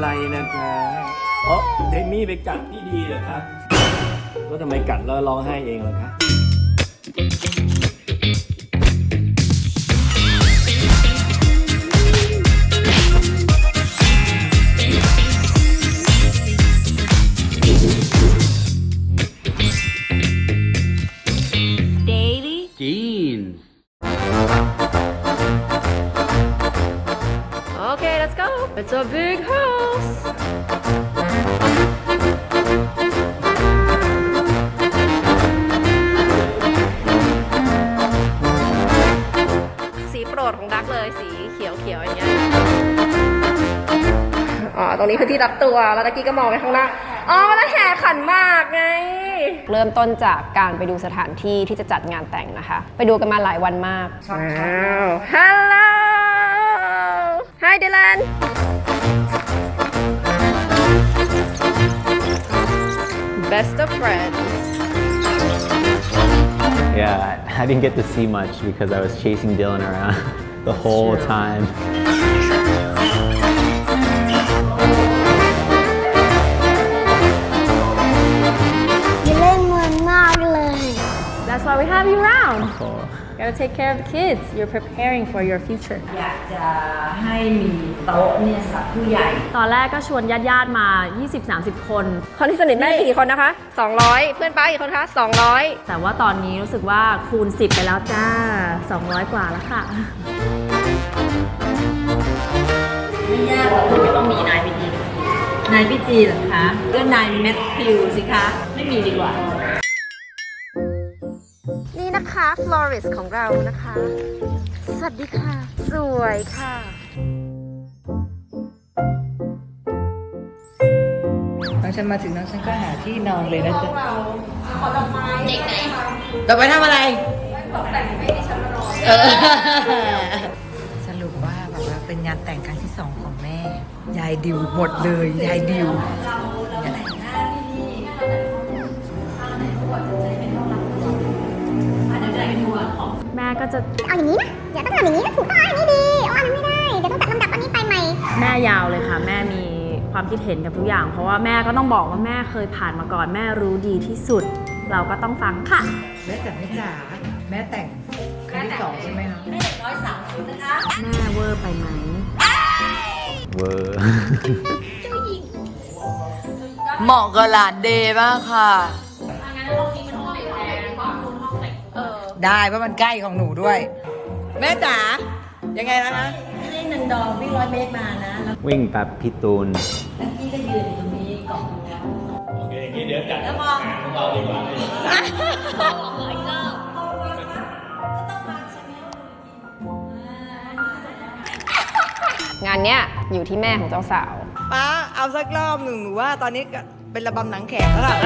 ไรนะคะอ๋อเดมี่ไปกัดพี่ดีเหรอครับก็ทำไมกัดแล้วร้องไห้เองล่ะคะ Jeans. Okay, let's go. It's a big house. สีโปรดของดักเลยสีเขียวๆอย่างเงี้ยอ๋อตรงนี้คือที่รับตัวแล้วตะกี้ก็มองไปข้างหน้าอ๋อแล้วแห่ขันหมากไงเริ่มต้นจากการไปดูสถานที่ที่จะจัดงานแต่งนะคะไปดูกันมาหลายวันมากว้าว Hello Hi Dylan Best of friends Yeah, I didn't get to see much because I was chasing Dylan around the whole time. อย่าเล่นเหมือนมากเลย That's why we have you around Gotta take care of the kids You're preparing for your future อยากจะให้มีโต๊ะเนี่ยสำหรับผู้ใหญ่ตอนแรกก็ชวนญาติๆมา 20-30 คนคนที่สนิทแม่มีกี่คนนะคะ 200 เพื่อนป้ากี่คนคะ 200 แต่ว่าตอนนี้รู้สึกว่าคูณ 10 ไปแล้วจ้า 200 กว่าแล้วค่ะไม่ยากหรอกไม่ต้องมีนายพิจีนายพิจีเหรอคะก็นายแมทธิวสิคะ ไม่มีดีกว่านี่นะคะ florist ของเรานะคะ สวัสดีค่ะ สวยค่ะตอนฉันมาถึงนั้นฉันก็หาที่นอนเลยนะจ๊ะเด็กไหนต่อไปทำอะไรตกแต่งให้ดิฉันมานอนสรุปว่าแบบว่าเป็นงานแต่งครั้งที่2ของแม่ ยายดิวหมดเลย ยายดิวแม่ก็จะเอาอย่างนี้นะอย่าต้องทำอย่างนี้นะถูกต้องอันนี้ดีอันนั้นไม่ได้เดี๋ยวต้องจัดลำดับอันนี้ไปใหม่แม่ยาวเลยค่ะ แม่มีความคิดเห็นกับทุกอย่าง เพราะว่าแม่ก็ต้องบอกว่าแม่เคยผ่านมาก่อน แม่รู้ดีที่สุด เราก็ต้องฟังค่ะแม่จ๋าแม่จ๋าแม่แต่งครั้งที่2ใช่ไหมคะแม่เวอร์ไปไหม Whoa. เหมาะกับหลานเดย์มากค่ะ ได้เพราะมันใกล้ของหนูด้วย แม่จ๋ายังไงนะคะไม่ได้นันดอวิ่ง100 เมตรมานะวิ่งแบบพี่ตูนแล้วพี่ก็ยืนอยู่ตรงนี้เกาะตรงนี้โอเคอย่างนี้เดี๋ยวจัดแล้วมองของเราดีกว่างานเนี้ยอยู่ที่แม่ของเจ้าสาวป้าเอาสักรอบหนึ่งหนูว่าตอนนี้เป็นระบำหนังแขกแล้วล่ะ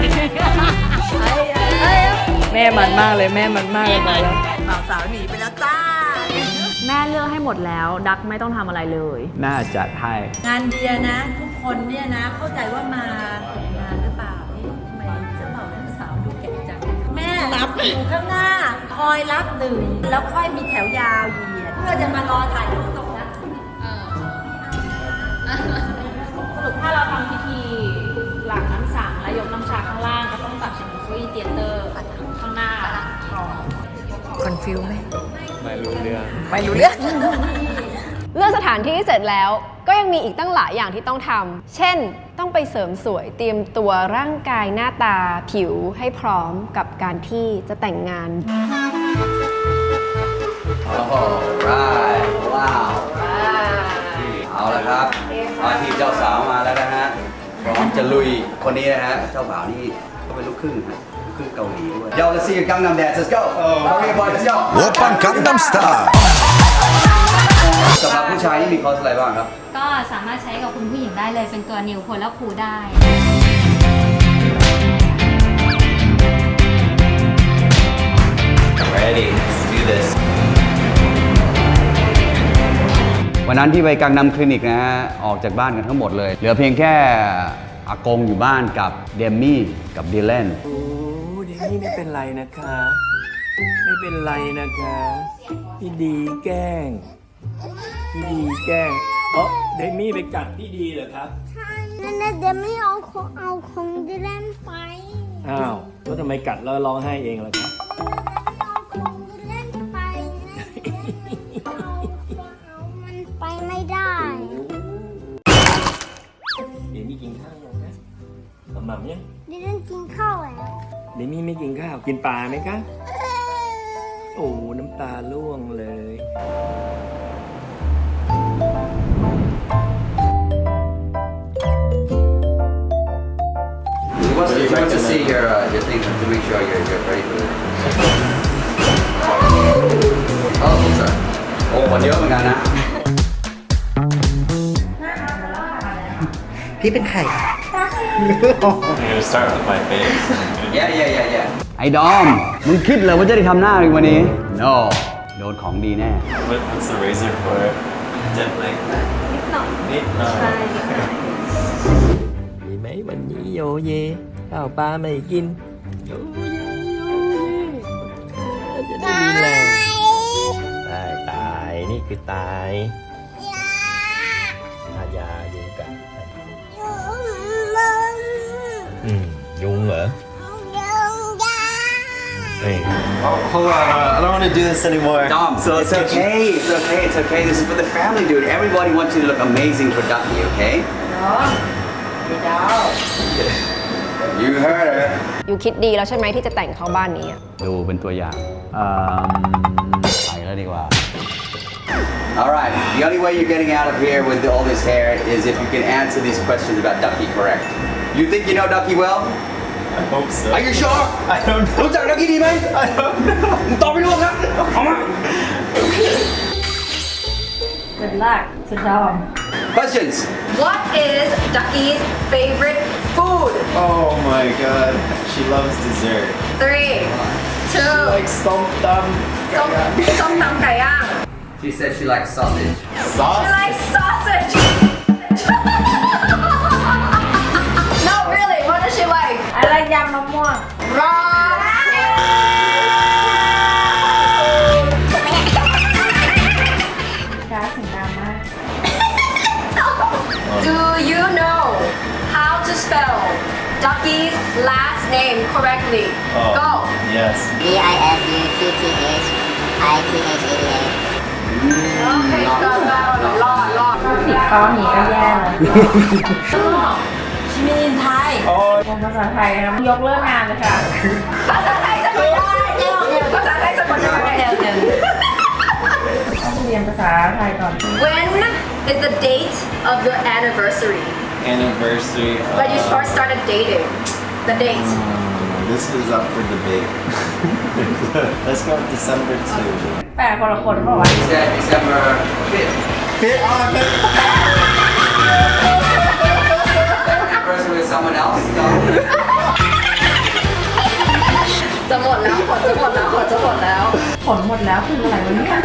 แม่มันมากเลยแม่มันมากเลยมาแล้วบ่าวสาวหนีไปแล้วจ้าแม่เลือกให้หมดแล้ว ดักไม่ต้องทำอะไรเลยแม่จัดให้งานเดียนะ ทุกคนเนี่ยนะ เข้าใจว่ามาฝึกงานหรือเปล่าเอ๊ะทำไมเจ้าบ่าวเจ้าสาวดูแก่จังแม่รับอยู่ข้างหน้า คอยรับหนึ่งแล้วค่อยมีแถวยาวเหยียดเพื่อจะมารอถ่ายรูปตรงนั้นสรุปถ้าเราทำพิธีหลังน้ำสังและยกน้ำชาข้างล่างก็ต้องตัดเป็นเก้าอี้เตียเตอร์ข้างหน้าก่อนคอนฟิวไหมไม่รู้เรื่องไม่รู้เรื่องเลือกสถานที่เสร็จแล้วก็ยังมีอีกตั้งหลายอย่างที่ต้องทำ เช่น ต้องไปเสริมสวยเตรียมตัวร่างกายหน้าตาผิวให้พร้อมกับการที่จะแต่งงาน Alright ว้าวเอาละครับว่าที่เจ้าสาวมาแล้วนะฮะพร้อมจะลุยคนนี้นะฮะเจ้าบ่าวนี่ก็เป็นลูกครึ่งฮะลูกครึ่งเกาหลีด้วย Yo let's see your Gangnam Dance let's go Okay boy let's go 오빤 강남 스타일. สำหรับผู้ชายนี่มีคอร์สอะไรบ้างครับก็สามารถใช้กับคุณผู้หญิงได้เลยเป็นตัวนิวโพลและคูได้ Ready let's do this วันนั้นที่ไปกังนำคลินิกนะฮะออกจากบ้านกันทั้งหมดเลย เหลือเพียงแค่อากงอยู่บ้านกับเดมมี่กับดีแลนโอ้เดมี่ไม่เป็นไรนะคะ ไม่เป็นไรนะคะพี่ดีแกล้งพี่ดีแกล้งอ๋อเดมี่ไปกัดพี่ดีเหรอครับนั่นเดี๋ยวไม่เอาของดิแลนไปอ้าวแล้วทำไมกัดแล้วร้องไห้เองล่ะครับเอาของดิแลนไปนะเอามันไปไม่ได้เดมี่กินข้าวยังนะหม่ำยังดิแลนกินข้าวแล้วเดมี่ไม่กินข้าวกินปลาไหมคะโอ้น้ำตาร่วงเลย He wants to see your thing to make sure you're ready for it. Oh, sorry. โอ้คนเยอะเหมือนกันนะพี่เป็นใคร Yeah. ไอ้ดอม มึงคิดเหรอว่าจะได้ทำหน้าอีกวันนี้ No โดนของดีแน่ What's the razor for? Dimpling. นิดหน่อยมีไหมวันนี้โยเยข้าวปลาไม่กินโยเยจะได้มีแรงตายนี่คือตายทายายุงกัดยุงเหรอเฮ้ย Oh, hold on. I don't want to do this anymore. Dom, so it's okay. It's okay. This is for the family, dude. Everybody wants you to look amazing for Ducky, okay? You heard her. อยู่คิดดีแล้วใช่ไหมที่จะแต่งเข้าบ้านนี้อะดูเป็นตัวอย่างไปแล้วดีกว่า Alright, the only way you're getting out of here with all this hair is if you can answer these questions about Ducky correct. You think you know Ducky well? I hope so. Are you sure? I don't know. รู้จัก Ducky ดีไหม I don't know. มึงตอบไม่รู้ครับเอามา Good luck to Dom. Questions. What is Ducky's favorite food? Oh my god. She loves dessert. 3, 2 Like som tam. ส้มตำไก่ย่าง She said she likes sausage. Sauce? I like sausage. No, really. What does she like? อะไรยำมะม่วง Wrong. Do you know how to spell Ducky's last name correctly? Oh. Go. Yes. DISUTTHITHA โอเคก็รอดผิดข้อนี้ก็แย่เลยชิมินินไทย Oh. เรียนภาษาไทยนะยกเลิกงานเลยค่ะภาษาไทยสะกดได้ภาษาไทยสะกดได้ต้องเรียนภาษาไทยก่อน When is the date of your anniversary? Anniversary. When you first started dating? The date. This is up for debate. Let's go with December 2. แปลคนละคนเปล่าวะ She said December 5th. Fit on it. Anniversary with someone else? No. จะหมดแล้วผลจะหมดแล้วผลหมดแล้วคืออะไรวะเนี่ย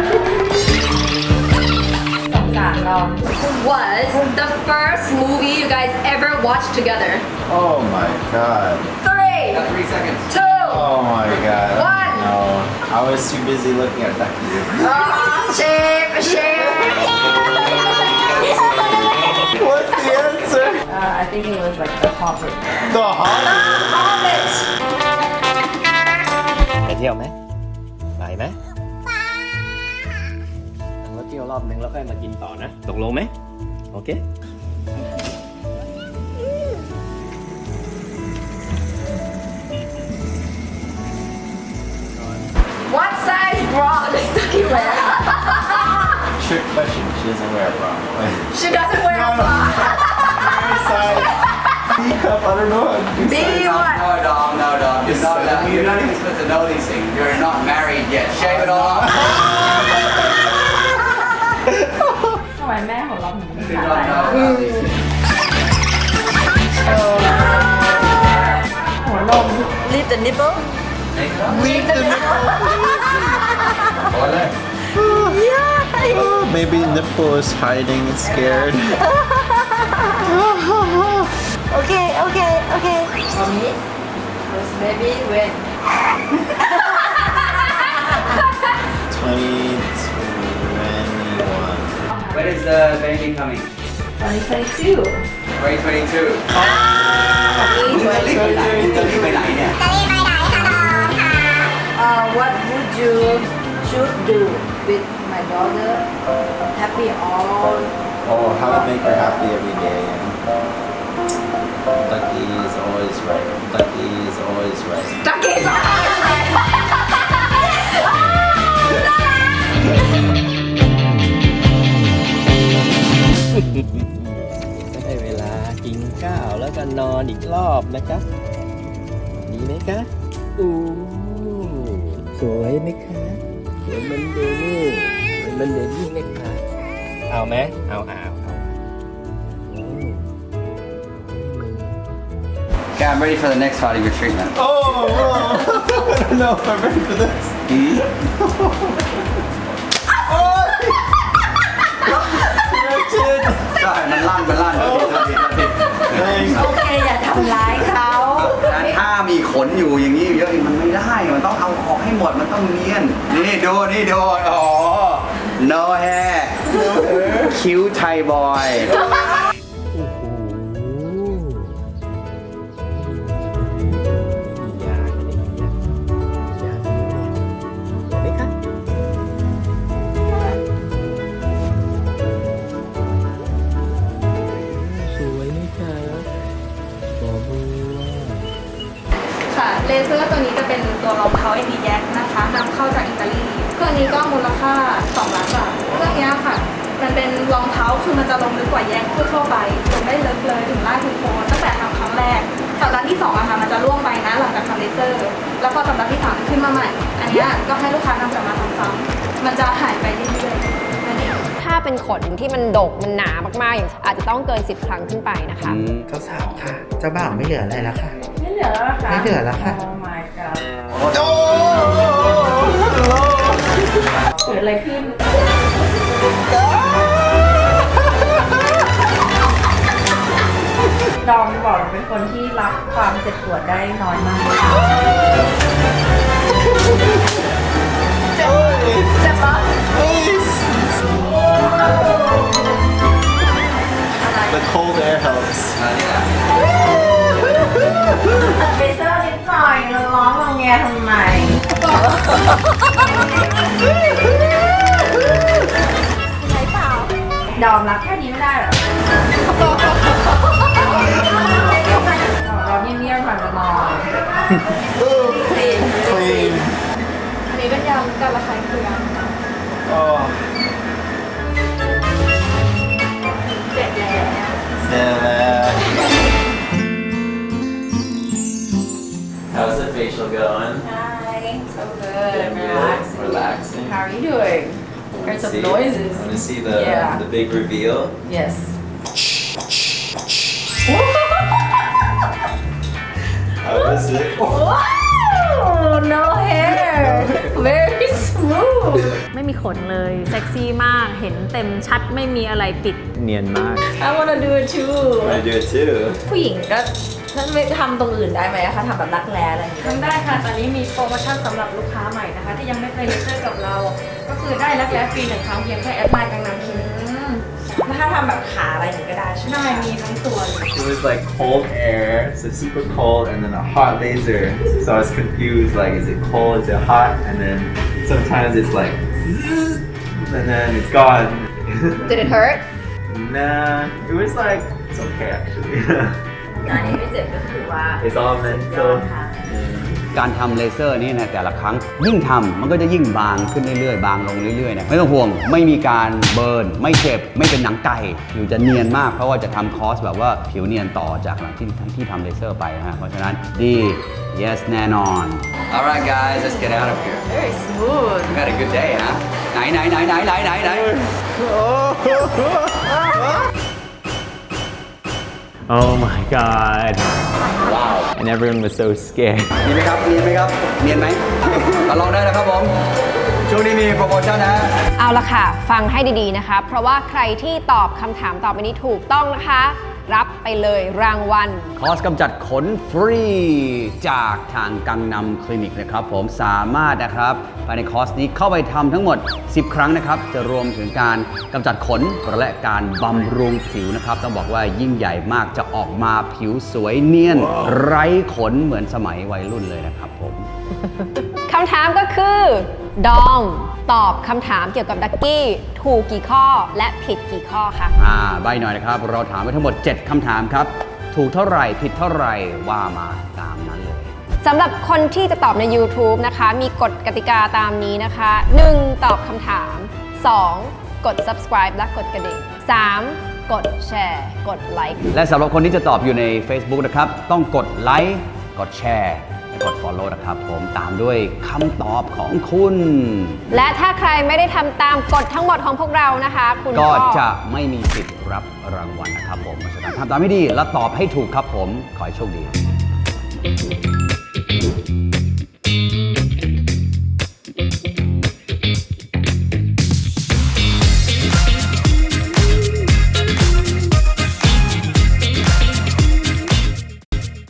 สงสารลอง Was the first movie you guys ever watched together? Oh my god. 3, Got 3 seconds. 2, Oh my god. One. No. I was too busy looking at Ducky. shape. What's the answer? I think it was like the Hobbit The Hobbit. ไปเที่ยวไหมไปไหมนั่งรถเที่ยวรอบนึงแล้วค่อยมากินต่อนะตกลงไหมโอเค What size bra does Ducky wear? Trick question. She doesn't wear a bra. She doesn't wear a bra. Size B cup. I don't know. B what? No, Dom. You're not even supposed to know these things. You're not married yet. Shave it all off. ทำไมแม่ของเราถึง You don't know about these things. หัวนม Leave the nipple Leave the Oh, maybe nipple is hiding and scared. Okay. for me was maybe when 2021. When is the baby coming? 2022 2022มึงจะรีบไปไหนมึงจะรีบไปไหนเนี่ย What would you should do with my daughter happy all Oh, how to make her happy every day. Ducky is always right. Ducky is always right. จักรีสองได้เวลากินข้าวแล้วก็นอนอีกรอบนะคะดีไหมคะสวยไหมคะสวยเหมันเดนี่สวยเหมันเดนี่ไหมคะเอาไหมเอา Okay, I'm ready for the next part of your treatment. Oh, I don't know if I'm ready for this. ใช่ มันลั่นโอเคอย่าทำร้ายเขาถ้ามีขนอยู่อย่างนี้เยอะมันไม่ได้ มันต้องเอาออกให้หมด มันต้องเนียน นี่ดูอ๋อ no hair cute Thai boy ค่ะ เลเซอร์ตัวนี้จะเป็นตัวรองเท้า AD Yak นะคะนำเข้าจากอิตาลี เครื่องนี้ก็มูลค่า2 ล้านบาท เครื่องนี้ค่ะ มันเป็นรองเท้าคือมันจะลงลึกกว่าแยกทั่วๆไปลงได้ลึกเลยถึงล่างถึงโคนตั้งแต่ทำครั้งแรกสัปดาห์ที่2อะค่ะมันจะล่วงไปนะหลังจากทำเลเซอร์ แล้วพอสัปดาห์ที่3ขึ้นมาใหม่ อันเนี้ยก็ให้ลูกค้านำกลับมาทำซ้ำมันจะหายไปเรื่อยๆนั่นเองถ้าเป็นขนที่มันดกมันหนามากๆอย่างอาจจะต้องเกิน 10 ครั้งขึ้นไปนะคะเจ้าสาวค่ะ เจ้าบ่าวไม่เหลืออะไรแล้วค่ะไม่เหลือแล้วค่ะไม่เหลือแล้วค่ะ Oh my god เกิดอะไรขึ้น ดอมบอกเป็นคนที่รับความเจ็บปวดได้น้อยมาก เจ็บปะ The cold air helps. ไปเซอร์นิดหน่อยแล้วร้องงงแงทำไม ไหนเปล่า ดอมรับแค่นี้ไม่ได้เหรอเราเงียบๆก่อนจะนอน Clean. อันนี้เป็นยำการระคายเคือง Oh. เจ็บแล้ว Yeah. How's the facial going? Hi, so good. Getting good, relaxing. How are you doing? Heard some noises. Want to see Yeah. the big reveal? Yes. How is it? Wow, no hair. Very smooth. ไม่มีขนเลย เซ็กซี่มาก เห็นเต็มชัดไม่มีอะไรปิดเนียนมาก I wanna do it too. I do it too. ผู้หญิงก็ท่านไม่ทำตรงอื่นได้ไหมคะทำแบบรักแร้อะไรอย่างเงี้ยทำได้ค่ะ ตอนนี้มีโปรโมชั่นสำหรับลูกค้าใหม่นะคะ ที่ยังไม่เคยเลเซอร์กับเรา ก็คือได้รักแร้ฟรี1 ครั้งเพียงแค่แอดไลน์กังนำคลินิกแล้วถ้าทำแบบขาอะไรอย่างเงี้ยก็ได้ใช่ไหมได้มีทั้งตัวเลย It was like cold air, so super cold, and then a hot laser. So I was confused, like, is it cold, is it hot? And then sometimes it's like, and then it's gone. Did it hurt? Nah, it was like, it's okay actually. อันนี้ไม่เจ็บก็คือว่า It's all mental. การทำเลเซอร์นี่นะแต่ละครั้งยิ่งทำมันก็จะยิ่งบางขึ้นเรื่อยๆบางลงเรื่อยๆนะไม่ต้องห่วงไม่มีการเบิร์นไม่เจ็บไม่เป็นหนังไก่อยู่จะเนียนมากเพราะว่าจะทำคอร์สแบบว่าผิวเนียนต่อจากหลังที่ทำเลเซอร์ไปนะฮะเพราะฉะนั้นดี yes แน่นอน Alright guys let's get out of here very smooth you had a good day huh ไหน Oh my god. Wow. And everyone was so scared. เนียนไหมครับเนียนไหมครับเนียนไหมมาลองได้นะครับผมช่วงนี้มีโปรโมชั่นนะเอาละค่ะ ฟังให้ดีๆนะคะ เพราะว่าใครที่ตอบคำถามต่อไปนี้ถูกต้องนะคะรับไปเลยรางวัลคอร์สกำจัดขนฟรีจากทางกังนำคลินิกนะครับผมสามารถนะครับภายในคอร์สนี้เข้าไปทำทั้งหมด 10 ครั้งนะครับจะรวมถึงการกำจัดขนและการบำรุงผิวนะครับต้องบอกว่ายิ่งใหญ่มากจะออกมาผิวสวยเนียน ไร้ขนเหมือนสมัยวัยรุ่นเลยนะครับผมคำถามก็คือ ดอมตอบคำถามเกี่ยวกับดักกี้ถูกกี่ข้อและผิดกี่ข้อคะใบหน่อยนะครับ เราถามไปทั้งหมด 7 คำถามครับ ถูกเท่าไหร่ผิดเท่าไหร่ว่ามาตามนั้นเลยสำหรับคนที่จะตอบใน YouTube นะคะ มีกฎกติกาตามนี้นะคะ 1. ตอบคำถาม 2. กด subscribe และกดกระดิ่ง 3. กดแชร์ กดไลค์และสำหรับคนที่จะตอบอยู่ใน Facebook นะครับ ต้องกดไลค์กดแชร์และกด Follow นะครับผมตามด้วยคำตอบของคุณและถ้าใครไม่ได้ทำตามกฎทั้งหมดของพวกเรานะคะ คุณก็ก็จะไม่มีสิทธิ์รับรางวัลนะครับผมเพราะฉะนั้นทำตามให้ดีและตอบให้ถูกครับผม ขอให้โชคดี